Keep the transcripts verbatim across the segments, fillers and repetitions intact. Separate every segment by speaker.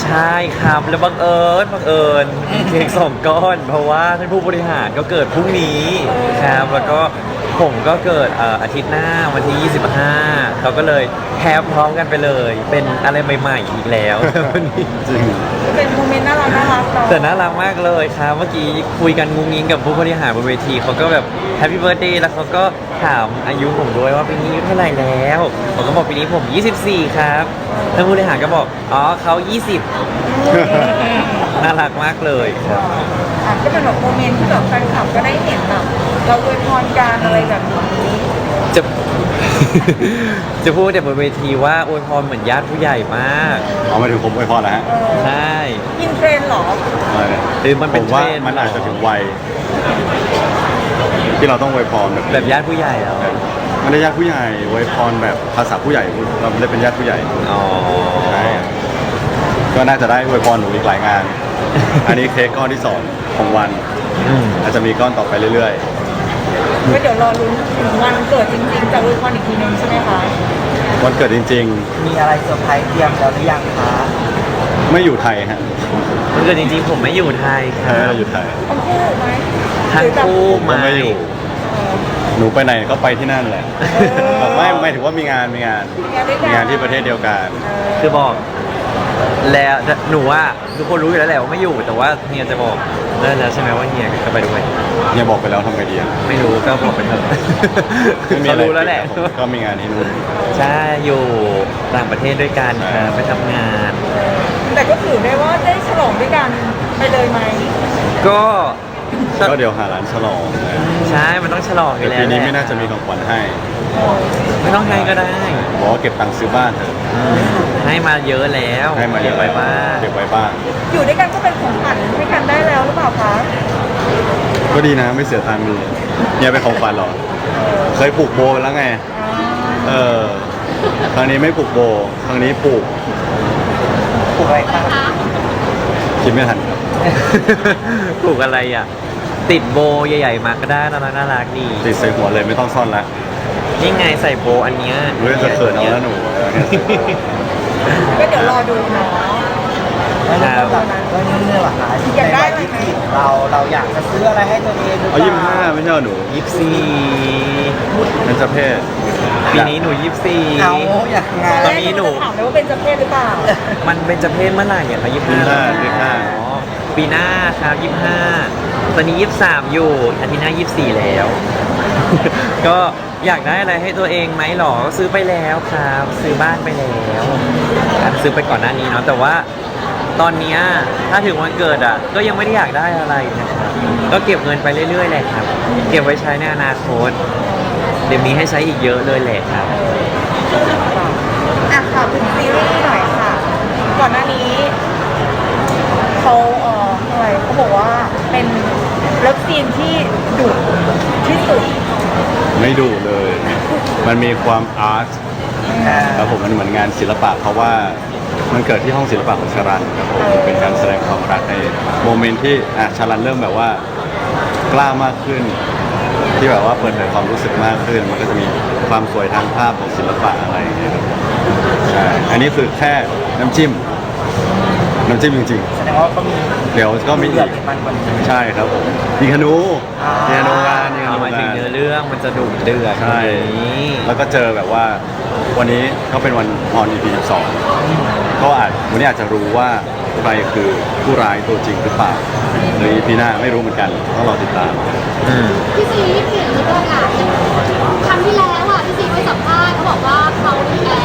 Speaker 1: ใช่ครับแล้วบังเอิญบังเอิญเค้กสองก้อนเพราะว่าท่านผู้บริหารก็เกิดพรุ่งนี้ครับแล้วก็ผมก็เกิดเอ่ออาทิตย์หน้าวันที่ยี่สิบห้าเขาก็เลยแฮปพร้อมกันไปเลย เป็นอะไรใหม่ๆอีกแล้ววันนี้
Speaker 2: จริง
Speaker 3: เป็นโมเมนต์น่ารักน่ารักเนาะ
Speaker 1: แต่น่ารักมากเลยครับเมื่อกี้คุยกันงุ้งงิ้งกับผู้บริหารบนเวทีเขาก็แบบแฮปปี้เบิร์ดเดย์แล้วเขาก็ถามอายุผมด้วยว่าปีนี้อายุเท่าไหร่แล้วผมก็บอกปีนี้ผมยี่สิบสี่ครับท่านผู้บริหารก็บอกอ๋อเขายี่สิบ น่ารักมากเลยครับ
Speaker 3: อ่ะก็เป็นแบบโมเมนต์ที่แบบแฟนคลับก็ได้เห็นแบบเราอวยพรกันอะไรแบบนี้
Speaker 1: จะ จะพูดแต่บนเวทีว่าอวยพรเหมือนญาติผู้ใหญ่มาก
Speaker 2: เอามาถึงผมอวยพรแล้วฮะ
Speaker 3: เออ
Speaker 1: ใช่
Speaker 3: อินเทรนด์เหรอ
Speaker 2: อะไรเนี่ย
Speaker 1: หรือมันเป็น
Speaker 2: ผมว่า
Speaker 1: เทรนด์
Speaker 2: มันอาจจะถึงวัยที่เราต้องอวยพรแบบ
Speaker 1: แบบญาติผู้ใหญ่แล้ว
Speaker 2: ไม่ได้ญาติผู้ใหญ่อวยพรแบบภาษาผู้ใหญ่เราไม่ได้เป็นญาติผู้ใหญ่
Speaker 1: อ๋อ
Speaker 2: ใช่ก็น่าจะได้อวยพรหนูอีกหลายงาน อันนี้เค้กก้อนที่สองของวัน
Speaker 1: อืม
Speaker 2: อาจจะมีก้อนต่อไปเรื่อย
Speaker 3: ก็เดี๋ยวรอลุ้นถึงวันเกิดจริงๆจะอวยพรอีกทีนึงใช่ไหมคะ
Speaker 2: ๆวันเกิดจริง
Speaker 4: มีอะไรเซอร์ไพรส์เตรียมแล้วหรือยังคะ
Speaker 2: ๆ ไม่อยู่ไทยฮะ
Speaker 1: มันเกิดจริงๆผมไม่อยู่ไทยค
Speaker 2: ใช่
Speaker 1: รับ
Speaker 2: เราอยู่ไทย
Speaker 3: ทั้งคู่ไหม
Speaker 1: ทั้งคู่
Speaker 2: ผมก็ไม่อยู่ หนูไปไหนก็ไปที่นั่นแหละแบบไม่ไม่ถือว่ามีงานมีงาน
Speaker 3: มีงานด้วยกั
Speaker 2: มี
Speaker 3: น
Speaker 2: งานที่ประเทศเดียวกัน
Speaker 1: คือบอก แล้วหนูว่าทุกคนรู้อยู่แล้วแหละว่าไม่อยู่แต่ว่าเฮียจะบอกนั่นแล้วใช่ไหมว่าเฮียจะไปด้วย
Speaker 2: เนี่ยบอกไปแล้วทำไงดีอะ
Speaker 1: ไม่รู้ก็บอกไปเถอะ
Speaker 2: ไม่มี
Speaker 1: เขา
Speaker 2: อะไร
Speaker 1: รู้แล้วแหละ
Speaker 2: ผมก็มีงานที่นู่น
Speaker 1: ใช่อยู่ต่างประเทศด้วยกันครับไปทำงาน
Speaker 3: แต่ก็ถือได้ว่าได้ฉลองด้วยกันไปเลยไหม
Speaker 1: ก็
Speaker 2: ก็เดี๋ยวหาร้านฉลองนะ
Speaker 1: ใช่มันต้องฉลองอ
Speaker 2: แต่
Speaker 1: ยู่แล้ว
Speaker 2: ปีนี้
Speaker 1: แหละ
Speaker 2: ไม่น่าจะมีของขวัญให้
Speaker 1: ไม่ต้องให้ก็ได้
Speaker 2: บอกว่าเก็บตังค์ซื้อบ้านเถอะ
Speaker 1: ให้มาเยอะแล้ว
Speaker 2: ให้มาเยอะ
Speaker 1: ก็บไว้บ้าง
Speaker 2: เก็บไว้บ้าง
Speaker 3: อยู่ด้วยกันก็เป็นของขวัญให้กันได้แล้วหรือเปล่าคะ
Speaker 2: ก็ดีนะไม่เสียตังค์ดีเนี่ยเป็นของขวัญเหรอ เคยปลูกโบไปแล้วไง เออ ครั้งนี้ไม่ปลูกโบ ครั้งนี้ปลูก
Speaker 4: ปลูกอะไรคะ
Speaker 2: คิดไม่ทันครับ
Speaker 1: ปลูกอะไรอ่ะ ติดโบใหญ่ๆมาก็ได้น่ารักน่ารักดี
Speaker 2: ติดใส่หัวเลยไม่ต้องซ่อนละ
Speaker 1: นี่ไงใส่โบอันเนี้ย
Speaker 2: เรื่องจะเขินเอาแล้วหนู
Speaker 3: ก็เดี๋ยวรอดูเนาะ
Speaker 4: แล้วเรื่องแบบเรื่องนี้เหรอคะ
Speaker 3: อยากได้อะไร
Speaker 4: ใน
Speaker 3: ไหม
Speaker 4: วัยยี่สิบเราเราอยากจะซื้ออะไรให้ตัวเองหรือเป
Speaker 2: เอา
Speaker 4: ล่า
Speaker 2: ยี่สิบห้าไม่ใช่เหรอหนู
Speaker 1: ยี่สิบสี่
Speaker 2: เป็นเจ้าเพศ
Speaker 1: ปีนี้หนูยี่สิบสี่
Speaker 4: เอาอย่างไง
Speaker 1: ตอนนี้หนู
Speaker 3: จะถามเลยว่าเป็นเจ้าเพศหรือเปล่า
Speaker 1: มันเป็นจะเพศเมื่อไหร่อ่ะคะยี่สิบห้า
Speaker 2: ยี่สิบห้า
Speaker 1: อ๋อปีหน้าครับยี่สิบห้าตอนนี้ยี่สิบสามอยู่อาทิตย์หน้ายี่สิบสี่แล้ว ก็อยากได้อะไรให้ตัวเองไหมหรอก็ซื้อไปแล้วครับ ซื้อบ้านไปแล้วครับซื้อไปก่อนหน้านี้เนาะแต่ว่าตอนเนี้ยถ้าถึงวันเกิดอ่ะ ก็ยังไม่ได้อยากได้อะไรนะครับก็เก็บเงินไปเรื่อยๆแหละครับ เก็บไว้ใช้ในอนาคตเดี๋ยวมีให้ใช้อีกเยอะเลยแหละครับ
Speaker 3: อ่ะค่ะเป็นซีรีส์หน่อยค่ะ ก่อนหน้านี้เขาเอ่ออะไรเขาบอกว่าเป็นเลิฟซีนที่ดุที่สุด
Speaker 2: ไม่ดุเลย มันมีความอาร์ตครับผมมันเหมือนงานศิลปะเพราะว่ามันเกิดที่ห้องศิลปะของชารันครับผมเป็นการแสดงความรักในโมเมนต์ที่อ่ะชารันเริ่มแบบว่ากล้ามากขึ้น ที่แบบว่าเปิดเผยความรู้สึกมากขึ้น มันก็จะมีความสวยทางภาพของศิลปะอะไรอย่างเงี้ยครับใช่อันนี้คือแค่น้ำจิ้ม น้ำจิ้มจริง
Speaker 4: แสดงว่าก็มี
Speaker 2: ๆ เดี๋ยวก็มี
Speaker 4: เดื
Speaker 2: อี
Speaker 4: อด
Speaker 2: ก
Speaker 4: มันกว่านี้
Speaker 2: ใช่ครับผมมีคานู
Speaker 4: อ่า
Speaker 2: มีคานูงานมีคา
Speaker 1: เอา
Speaker 2: นู
Speaker 1: หมายถึง
Speaker 2: งาน
Speaker 1: เนื้อเรื่องมันจะดุเดือด
Speaker 2: ใช่
Speaker 1: กว่านี้
Speaker 2: แล้วก็เจอแบบว่าวันนี้ก็เป็นวันออน อี พี สิบสองก็อาจวันนี้อาจจะรู้ว่าใครคือผู้ร้ายตัวจริงหรือเปล่าหรือ อี พี หน้าไม่รู้เหมือนกันต้องรอติดตาม
Speaker 1: อืม
Speaker 5: พี่ซีเห็นหรือเปล่าอ่ะครั้งที่แล้วอ่ะพี่ซีไปสัมภาษณ์เขาบอกว่าเขาแพ้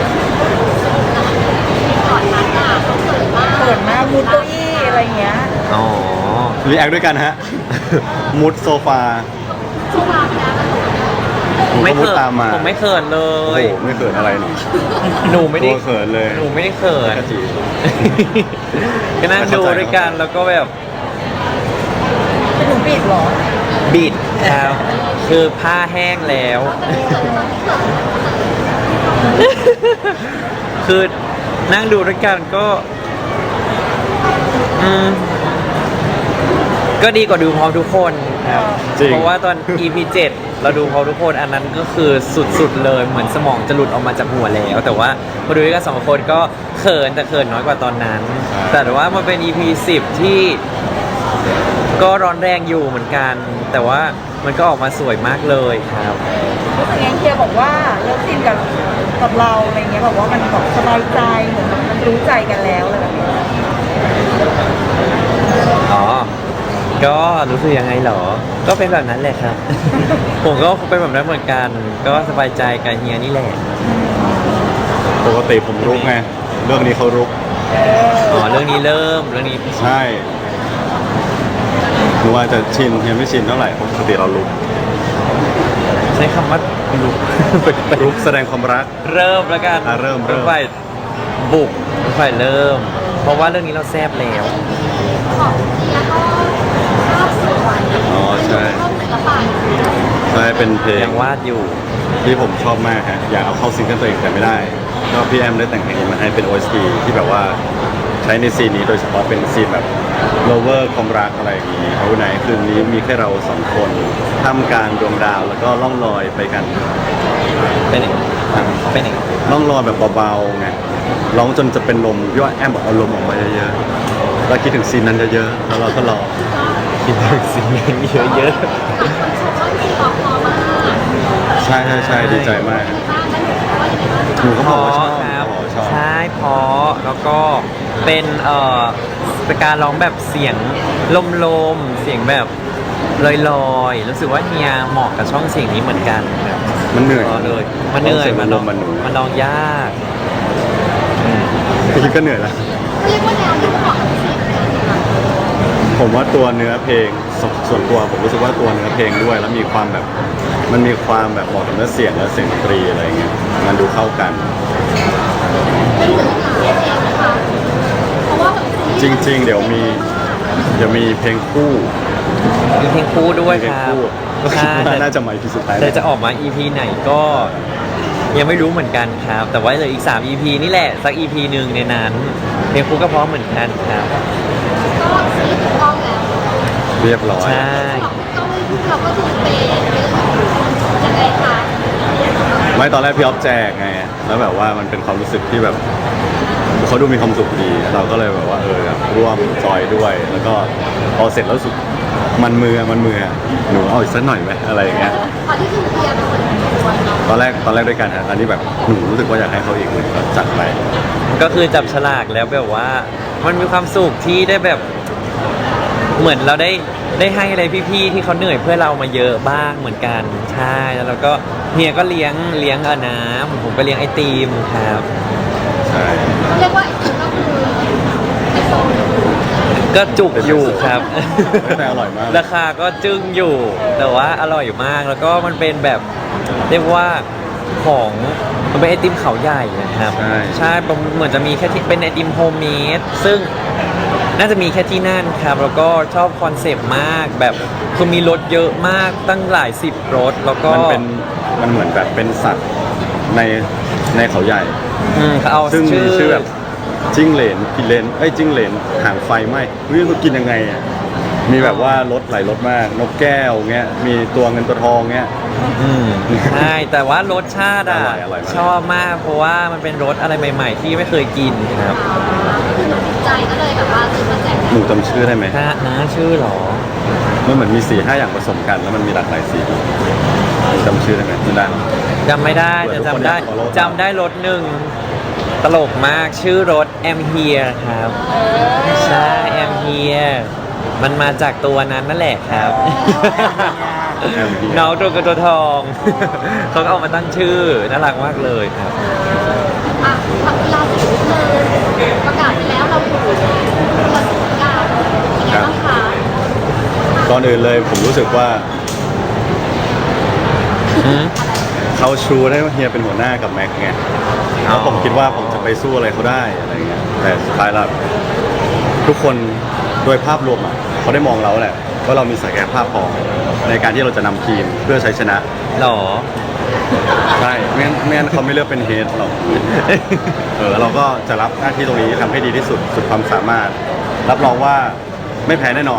Speaker 5: ก่อนนั้นอ่ะเขาเกิดมาก
Speaker 3: เปิดมามูดเก้าอี้อะไรอย่างเงี้ย
Speaker 1: อ๋อ
Speaker 2: รีแอคด้วยกันฮะ มุดโซฟา
Speaker 5: ช่วงเวลาแพ้มัน
Speaker 2: ผม
Speaker 1: ไม่
Speaker 2: ก็มุ
Speaker 1: เขิ
Speaker 2: ด
Speaker 1: น
Speaker 2: ตามมา
Speaker 1: ผมไม่เขินเล
Speaker 2: โอ้
Speaker 1: ย
Speaker 2: โหไม่เกิดอะไรหนู
Speaker 1: หนูไม่ได้
Speaker 2: ตัวเขินเลย
Speaker 1: หนูไม่ได้เขิน
Speaker 2: กะจี
Speaker 1: ก็นั่งดูด้วยกันแล้วก็แบบ
Speaker 3: เป็นหนูปิดเหรอ
Speaker 1: บิดครับคือผ้าแห้งแล้ว คือนั่งดูด้วยกันก็ อืมก็ดีกว่าดูพร้อมทุกคนครับ
Speaker 2: จริง
Speaker 1: เพราะว่าตอน อี พี เจ็ดเราดูพร้อมทุกคนอันนั้นก็คือสุดๆเลยเหมือนสมองจะหลุดออกมาจากหัวแล้ว แต่ว่าพอดูด้วยกันสองคนก็เขินแต่เขินน้อยกว่าตอนนั้น แต่ว่ามันเป็น อี พี สิบที่ก็ร้อนแรงอยู่เหมือนกัน แต่ว่ามันก็ออกมาสวยมากเลยครับ
Speaker 3: รู้สึกยังเคียร์บอกว่าเลิฟซีนกับกับเราอะไรเงี้ยบอกว่ามันแบบสบายใจเหมือนมันรู้ใจกันแล้วอะไรแบบเนี้ย
Speaker 1: อ๋อ ก็รู้สึกยังไงเหรอ ก็เป็นแบบนั้นแหละครับ ผมก็เป็นแบบนั้นเหมือนกัน ก็สบายใจกับเฮียนี่แหละ
Speaker 2: ปกติผมรุกไงเรื่องนี้เขารุก
Speaker 1: อ๋อ เรื่องนี้เริ่ม เรื่องนี้
Speaker 2: ใช่หรือว่าจะชินยังไม่ชินเท่าไหร่ปกติเรารุก
Speaker 1: ใช้คำว่าลุก
Speaker 2: รุกแสดงความรัก
Speaker 1: เริ่มแล้วกัน
Speaker 2: อ่ะเริ่มเริ่ม
Speaker 1: ฝ่ายบุกฝ่ายเริ่ม เพราะว่าเรื่องนี้เราแซบแล้ว
Speaker 5: ของเชียร์ก็ภาพสวย
Speaker 2: อ๋อใช่
Speaker 5: ชอบศิลปะ
Speaker 2: ใช่เป็นเพลง
Speaker 1: ยังวาดอยู่
Speaker 2: ที่ผมชอบมากฮะอยากเอาเข้าซิงเกิลตัวเองแต่ไม่ได้ก็พี่แอมได้แต่งเพลงนี้มาให้เป็น โอ เอส ที ที่แบบว่าใช้ในซีนนี้โดยเฉพาะเป็นซีนแบบ lover ความรักอะไรอย่างนี้เอาไหนคืนนี้มีแค่เราสองคนท่ามกลางดวงดาวแล้วก็ล่องลอยไปกัน
Speaker 1: เป็นอย่างเป็นอย่าง
Speaker 2: ล่องลอยแบบเบาๆไงร้องจนจะเป็นลมพี่ว่าแอมบอกเอาลมออกมาเยอะๆแล้วคิดถึงซีนนั้นเยอะๆแล้วเราก็รอ
Speaker 1: คิดถึงสิ่งนี้เยอะ
Speaker 5: คนชมว่าพี่ออกพอมาก
Speaker 2: ใช่ใช่ใช่ดีใจมาก
Speaker 5: บ้างแล้วหนูว่าอย่างไรบ้าง
Speaker 2: หนูก็
Speaker 1: ๆ
Speaker 2: บอกว่าชอบ
Speaker 1: ครับ
Speaker 2: หนูก็บอกว่าชอบ
Speaker 1: ใช่เพราะแล้วก็เป็นเอ่อเป็นการร้องแบบเสียงลมๆ เสียงแบบลอยๆ รู้สึกว่าเฮียเหมาะกับช่องเสียงนี้เหมือนกันครับ
Speaker 2: มันเหนื่อย
Speaker 1: พอเลย มันเหนื่อย
Speaker 2: มั
Speaker 1: มัน น
Speaker 2: ล
Speaker 1: ลอง
Speaker 2: มมันหนู
Speaker 1: มันลองยากอืม
Speaker 2: พี่ก็เหนื่อยแล้ว
Speaker 5: เรียกว่าแนวที่เหมาะกับพี่ซีเหมือนกันค่ะ
Speaker 2: ผมว่าตัวเนื้อเพลงสส่วนตัวผมรู้สึกว่าตัวเนื้อเพลงด้วย แล้วมีความแบบมันมีความแบบเหมาะกับเนื้อเสียงและเสียงดนตรีอะไรเงี้ยมันดูเข้ากัน
Speaker 5: เป็นศิลปะเองนะคะเพราะว่าแบบซี
Speaker 2: จริง ๆ เดี๋ยวมีเดี๋ยวมีเพลงคู่
Speaker 1: มีเพลงคู่ด้วย
Speaker 2: เพล
Speaker 1: ค
Speaker 2: ง
Speaker 1: รับ
Speaker 2: คู่ก็คิด
Speaker 1: ใช่
Speaker 2: ว่าน่าจะมาอีพีสุดท้าย
Speaker 1: แต่จะออกมา อี พี ไหนก็ยังไม่รู้เหมือนกันครับ แต่ว่าเหลืออีก สาม อี พี นี่แหละ สัก อี พี หนึ่งในนั้น เพลงคู่ก็พร้อมเหมือนกันครับ
Speaker 5: ก็ซีถูกต้องแล้ว
Speaker 2: เรียบร้อย
Speaker 1: ใช่
Speaker 5: ก็ไม่พูดเราก็คือเป็นยังไงคะ
Speaker 2: ไม่ตอนแรกพี่ออฟแจกไงแล้วแบบว่ามันเป็นความรู้สึกที่แบบเขาดูมีความสุขดี เราก็เลยแบบว่าเออร่วมจอยด้วย แล้วก็พอเสร็จแล้วรู้สึกมันมือมันมือหนูเอาอีกสักหน่อยไหมอะไรอย่างเงี้ย
Speaker 5: ตอนที่คือเทียร์เป็นคนชวนเนาะ
Speaker 2: ตอนแรกตอนแรกด้วยกันฮะตอนนี้แบบหนูรู้สึกว่าอยากให้เขาอีกหนึ่งก็จัดไป
Speaker 1: ก็คือจับฉลากแล้วแบบว่า มันมีความสุขที่ได้แบบเหมือนเราได้ได้ให้อะไรพี่ๆที่เขาเหนื่อยเพื่อเรามาเยอะบ้างเหมือนกันใช่แล้วเราก็เฮียก็เลี้ยงเลี้ยงเอาน้ำผมก็เลี้ยงไอติมครับ
Speaker 2: ใช่
Speaker 5: เรียกว่าอีกทีก็คือไอโซน
Speaker 1: ก็จุกอยู่ครับ
Speaker 2: แต่อร่อยมาก
Speaker 1: ราคาก็จึ้งอยู่ แต่ว่าอร่อยมากแล้วก็มันเป็นแบบเรียกว่าของมันเป็นไอติมเขาใหญ่นะครับ
Speaker 2: ใช่
Speaker 1: ใช่ผมเหมือนจะมีแค่ที่เป็นไอติมโฮมเมดซึ่งน่าจะมีแค่ที่นั่นครับ แล้วก็ชอบคอนเซปต์มากแบบคือมีรถเยอะมากตั้งหลายสิบรถแล้วก็
Speaker 2: มันเป็นมันเหมือนแบบเป็นสัตว์ในในเขาใหญ่
Speaker 1: อืมเขาเอา
Speaker 2: ซึ่งมี
Speaker 1: ชื่อ
Speaker 2: ชื่อแบบจิ้งเหลนกินเลนเอ้ยจิ้งเหลนหางไฟไหมเฮ้ยมันกินยังไงอ่ะมีแบบว่ารสหลายรสมากนกแก้วเงี้ยมีตัวเงินตัวทองเงี้ย
Speaker 1: อืมใช่แต่ว่ารสชาติอ่ะ
Speaker 2: อร่อยอร่อยมาก
Speaker 1: ชอบมากเพราะว่ามันเป็นรสอะไรใหม่ ๆ ที่ไม่เคยกินครับ
Speaker 5: คือหนูติดใจก็เลยแบบว่าซื้อมาแจก
Speaker 2: หนูจำชื่อได้ไหม
Speaker 1: ฮะนะชื่อเหรอ
Speaker 2: มันเหมือนมีสี่ห้าอย่างผสมกันแล้วมันมีหลากหลายสีจำชื่อได้ไหมไม่ได้หรอก
Speaker 1: จำไม่ได้
Speaker 2: เผื่
Speaker 1: แต่
Speaker 2: อทุกคน
Speaker 1: จำได้
Speaker 2: อยาก follow
Speaker 1: จำได้รถหนึ่งตลกมากชื่อรถ I'm Here ครับ ใช่ I'm Here มันมาจากตัวนั้นนั่นแหละครับ
Speaker 2: I'm Here
Speaker 1: น้องตัวกระตัวทอง เขาก็เอามาตั้งชื่อ น่ารักมากเลยครับ
Speaker 5: อ่ะทำกีฬาสีเลยประกาศไปแล้วเราอยู่กีฬาสีกาเป็นไงบ้างคะ
Speaker 2: ก่อนอื่นเลยผมรู้สึกว่าเขาชูได้ว่าเฮียเป็นหัวหน้ากับแม็กไงแล้วผมคิดว่าผมจะไปสู้อะไรเขาได้อะไรเงี้ยแต่สุดท้ายแล้วทุกคนโดยภาพรวมอ่ะเขาได้มองเราแหละว่าเรามีศักยภาพพอในการที่เราจะนำทีมเพื่อใช้ชนะ
Speaker 1: หรอ
Speaker 2: ใช่ไม่งั้นไม่งั้นเขาไม่เลือกเป็นเฮดหรอกเออเราก็จะรับหน้าที่ตรงนี้ทำให้ดีที่สุดสุดความสามารถ รับรองว่าไม่แพ้แน่นอน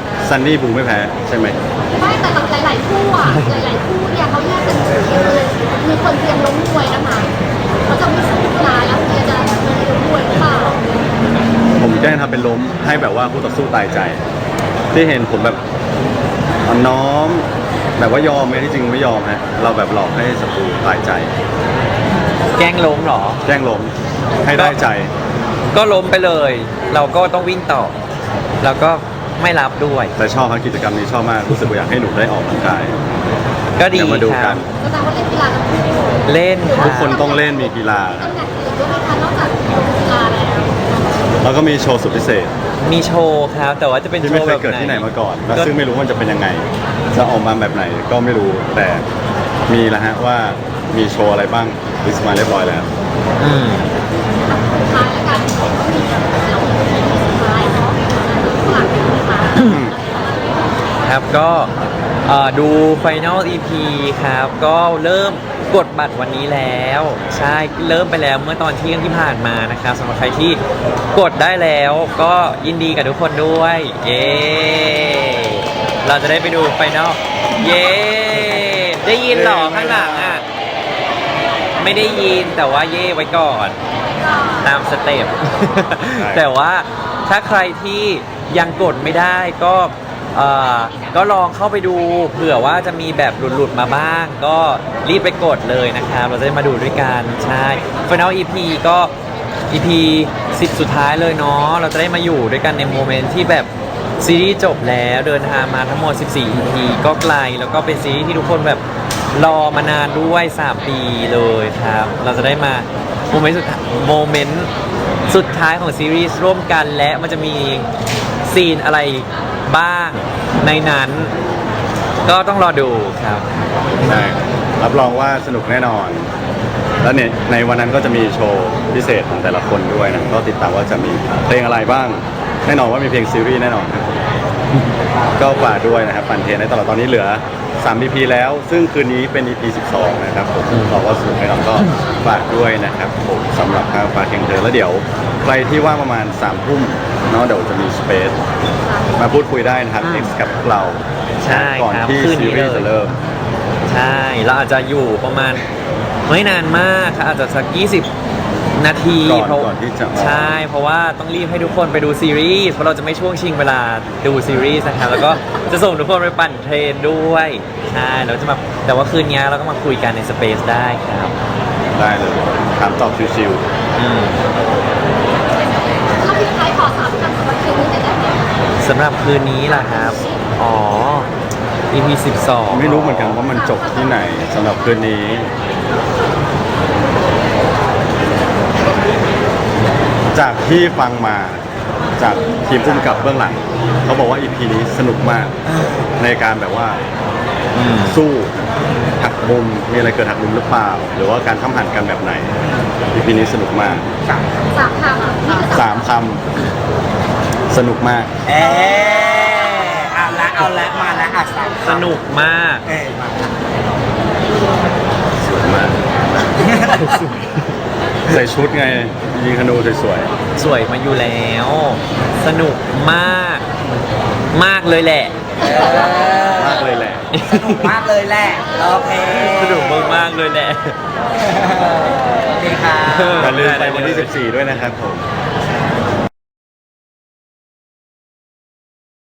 Speaker 2: ซันนี่บูไม่แพ้ใช่ไหม
Speaker 5: ไม่แต่กับหลาย ๆ คู่อ่ะ หลาย ๆ คู่เนี่ยเขาแยกกันอยู่เลยมีคนเตรียมล้มมวยนะคะเขาจะไม่สู้กีฬาแล้วเตรียมจะล้มมวยหรือเปล่า
Speaker 2: ผมแกล้งทำเป็นล้มให้แบบว่าคู่ต่อสู้ตายใจ ที่เห็นผมแบบอ่อนน้อม แบบว่ายอมไหมที่จริงไม่ยอมฮะเราแบบหลอกให้ศัตรูตายใจ
Speaker 1: แกล้งล้มเหรอ
Speaker 2: แกล้งล้มให้ได้ใจ
Speaker 1: ก็ล้มไปเลย เราก็ต้องวิ่งต่อ แล้วก็ไม่รับด้วย
Speaker 2: แต่ชอบครับกิจกรรมนี้ชอบมากรู้สึกว่าอยากให้หนูได้ออกกำลังกาย
Speaker 1: ก็ดี
Speaker 2: เดี๋ยวมาดู
Speaker 1: ค
Speaker 2: กั
Speaker 1: รับ
Speaker 2: น
Speaker 5: ก็แสดงว่าเล่นกีฬาทั้งคู่
Speaker 1: เล่นค
Speaker 2: ทุ
Speaker 1: รั
Speaker 2: ก
Speaker 1: บ
Speaker 2: คนต้องเล่นมีกีฬา
Speaker 5: ตำแหน่งอื่นด้วยไหมคะนอกจากกีฬาแล้ว
Speaker 2: แล้วก็มีโชว์สุดพิเศษ
Speaker 1: มีโชว์ครับ แต่ว่าจะเป็น
Speaker 2: ที่
Speaker 1: โช
Speaker 2: ไม่
Speaker 1: ว์
Speaker 2: เค
Speaker 1: แบ
Speaker 2: ย
Speaker 1: บ
Speaker 2: เกิด
Speaker 1: ไหน
Speaker 2: ที่ไหนมาก่อนและ
Speaker 1: ก็
Speaker 2: ซึ่งไม่รู้ว่ามันจะเป็นยังไง จะออกมาแบบไหนก็ไม่รู้ แต่มีแล้วฮะว่ามีโชว์อะไรบ้างลิสต์มาเรียบร้อยแล้ว
Speaker 1: อืม
Speaker 5: สุดท้ายแล้วกันก็มีแล้วสุดท้ายเนาะหลังเป็นนะคะ
Speaker 1: ครับก็เอ่อดู Final อี พี ครับ ก็เริ่มกดบัตรวันนี้แล้ว ใช่เริ่มไปแล้วเมื่อตอนเที่ยงที่ผ่านมานะครับสำหรับใครที่กดได้แล้วก็ยินดีกับทุกคนด้วย เย้เราจะได้ไปดู Final เย้ได้ยินเหรอข้างหลังอ่ะ ไม่ได้ยินแต่ว่าเย่ไว้ก่อน ตามสเต็ป
Speaker 2: ใช่
Speaker 1: แต่ว่าถ้าใครที่ยังกดไม่ได้ก็เอ่อก็ลองเข้าไปดูเผื่อว่าจะมีแบบหลุดๆมาบ้าง ก็รีบไปกดเลยนะครับ เราจะได้มาดูด้วยกัน ใช่ Final อี พี ก็ อี พี สิบ สุดท้ายเลยเนาะเราจะได้มาอยู่ด้วยกันในโมเมนต์ที่แบบซีรีส์จบแล้วเดินทางมาทั้งหมด สิบสี่ อี พี ก็ไกลแล้วก็เป็นซีรีส์ที่ทุกคนแบบรอมานานด้วย สาม ปีเลยครับ เราจะได้มาโมเมนต์สุดโมเมนต์สุดท้ายของซีรีส์ร่วมกันและมันจะมีซีนอะไรบ้างในนั้น ก็ต้องรอดูครับ
Speaker 2: ใช่รับรองว่าสนุกแน่นอน แล้วเนี่ยในวันนั้นก็จะมีโชว์พิเศษของแต่ละคนด้วยนะก็ติดตามว่าจะมีเพลงอะไรบ้าง แน่นอนว่ามีเพลงซีรีส์แน่นอนครับก็ฝากด้วยนะครับปันเทนในตลอดตอนนี้เหลือสาม อี พี แล้ว ซึ่งคืนนี้เป็น อี พี สิบสอง นะครับผมเราก็สนุกแน่นอนก็ฝากด้วยนะครับผมสำหรับทางฝากเข่งเธอแล้วเดี๋ยวใครที่ว่างประมาณสามทุ่มเนาะเดี๋ยวจะมีสเปซมาพูดคุยได้นะครับ
Speaker 1: อืม
Speaker 2: X กับเรา
Speaker 1: ใช่
Speaker 2: ก่อน
Speaker 1: ครับ
Speaker 2: ที่
Speaker 1: คืนนี้
Speaker 2: ซีรีส์
Speaker 1: เลย
Speaker 2: จะเริ่ม
Speaker 1: ใช่เราอาจจะอยู่ประมาณไม่นานมากครับอาจจะสักยี่สิบนาที
Speaker 2: ก่อน
Speaker 1: เพราะ
Speaker 2: ก่อนที่จะออก
Speaker 1: ใช่ เพราะว่าต้องรีบให้ทุกคนไปดูซีรีส์เพราะเราจะไม่ช่วงชิงเวลาดูซีรีส์นะครับแล้วก็จะส่งทุกคนไปปั่นเทรนด้วยใช่เราจะมาแต่ว่าคืนนี้เราก็มาคุยกันในสเปซได้ครับ
Speaker 2: ได้เลยถามตอบชิว
Speaker 1: อืม
Speaker 5: ถ้าพี่ท้ายขอสามคำสำหรับคืนนี้จะได้ไหม
Speaker 1: สำหรับคืนนี้ล่ะครับอ๋อ อี พี สิบสอง
Speaker 2: ๆไม่รู้เหมือนกันว่ามันจบที่ไหนสำหรับคืนนี้ จากที่ฟังมาจากทีมผู้กำกับเบื้องหลัง เขาบอกว่า อี พี นี้สนุกมากในการแบบว่า
Speaker 1: อืม
Speaker 2: สู้หักมุมมีอะไรเกิดหักมุมหรือเปล่า หรือว่าการทำหันกันแบบไหน อี พี นี้สนุกมาก
Speaker 5: สามคำอ่ะนี่คือสาม
Speaker 2: สามคำสนุกมาก
Speaker 4: เออเอาละเอาละมาละอ่ะสาม
Speaker 1: สนุกมาก
Speaker 4: เออมาละ
Speaker 2: สวยมาก ใส่ชุดไง ยิงธนูสวย
Speaker 1: สวยมาอยู่แล้ว สนุกมาก มากเลยแหละ
Speaker 4: เออ
Speaker 2: ๆมากเลยแหละ
Speaker 4: สนุกมากเลยแหละโอเค
Speaker 1: สนุกมากๆเลยแหละ
Speaker 4: ดีค่ะ
Speaker 2: อย่าลืมไปวันที่ สิบสี่ ด้วยนะครับผม